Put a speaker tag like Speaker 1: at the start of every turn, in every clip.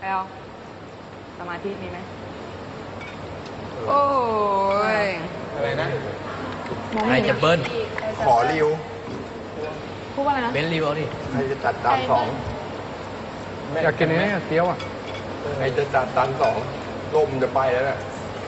Speaker 1: เอาสมาธิมีไหมโอ้ย
Speaker 2: อะไรนะ
Speaker 1: มอง
Speaker 3: ใคร
Speaker 1: ไม่เห็
Speaker 3: จะ
Speaker 1: น
Speaker 3: เบิ้ล
Speaker 2: ขอริว
Speaker 1: พูดว่าอะไรนะ
Speaker 3: เบนซ์ริวเอาดิ
Speaker 2: ใครจะจัดจานสอง
Speaker 4: อยากกินนี้เกี๊ยวอ่ะ
Speaker 2: ใครจะจัดจานสองลมจะไปแล้วน่ะ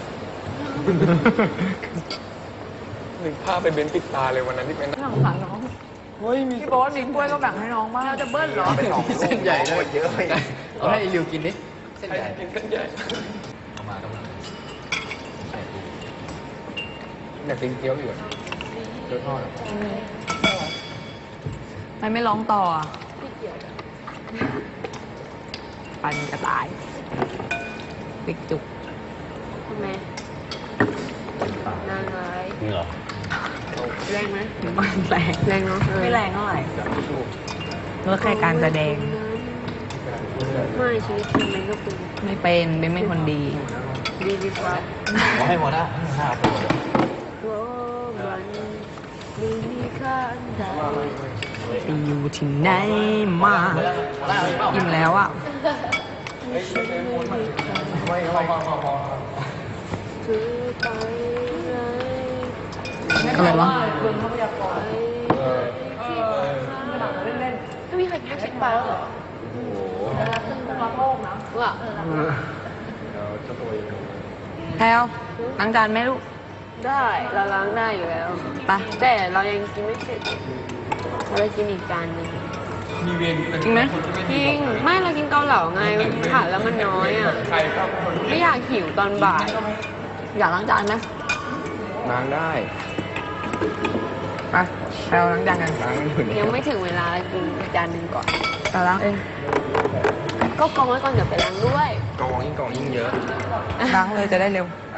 Speaker 2: นึกภาพไปเบนปิดตาเลยวันนั้นที่เป็น
Speaker 1: สงสารน้องพี่โบ๊ทมีกล้วยก็แบ่งให้น้องบ้างเราจะเบิ้ลเหรอ
Speaker 2: ไปสองลูก
Speaker 3: เส้นใหญ่เลย
Speaker 2: เยอะไป
Speaker 3: เอาให้ริวกินดิเส้นใหญ่
Speaker 2: กินเส้นใหญ่
Speaker 3: เอามากำลังใส่ปู
Speaker 2: อยากกินเกี๊ยวอยู่เกี๊ยวทอด
Speaker 1: มันไม่ร้องต่ออ่ะปันกระต่ายปิกจุก
Speaker 5: ทำไมนางร้าย
Speaker 3: นี่เหรอ
Speaker 5: แรงไหม
Speaker 1: มันแรง
Speaker 5: แรงเนาะ
Speaker 1: ไม่แรงเท่าไหร่ก็แค่การแสดง
Speaker 5: ไม่ชีวิตจริงมันก็เป็น
Speaker 1: ไม่เป็นไม่คนดี
Speaker 5: ดีดีกว่า
Speaker 3: ขอให้หมดนะ5ตัว
Speaker 5: โอ้วันดีมีค่าอันใด
Speaker 1: ไปอยู่ที่ไหนมาอิ่มแล้วอ่ะ
Speaker 2: ไม่พอ
Speaker 5: คือไปไหน
Speaker 1: อะไรวะ
Speaker 5: ไม่มีใครแค่คิดไปแล้วเหรอว่า
Speaker 1: แพลวล้างจานไหมลูก
Speaker 5: ได้เราล้างได้อยู่แล้ว
Speaker 1: ไป
Speaker 5: แต่เรายังกินไม่เสร็จเราจะกินอีกจานหนึง
Speaker 1: จริงไหม
Speaker 5: จริงไม่เรากินเกาเหลาไงผัดแล้วมันน้อยอ่ะไม่อยากหิวตอนบ่าย
Speaker 1: อยากล้างจานไหม
Speaker 2: ล้างได้
Speaker 1: ไปแพลวล้างจานกัน
Speaker 2: ล้างอยู่เนี่ย
Speaker 5: ยังไม่ถึงเวลากินอีกจานหนึ่งก่อน
Speaker 1: เราล้างเอง
Speaker 5: ก็กองไว้ก่อนเดี๋ยวไปล้างด้วย
Speaker 2: กองยิ่งเยอะ
Speaker 1: ล้างเลยจะได้เร็ว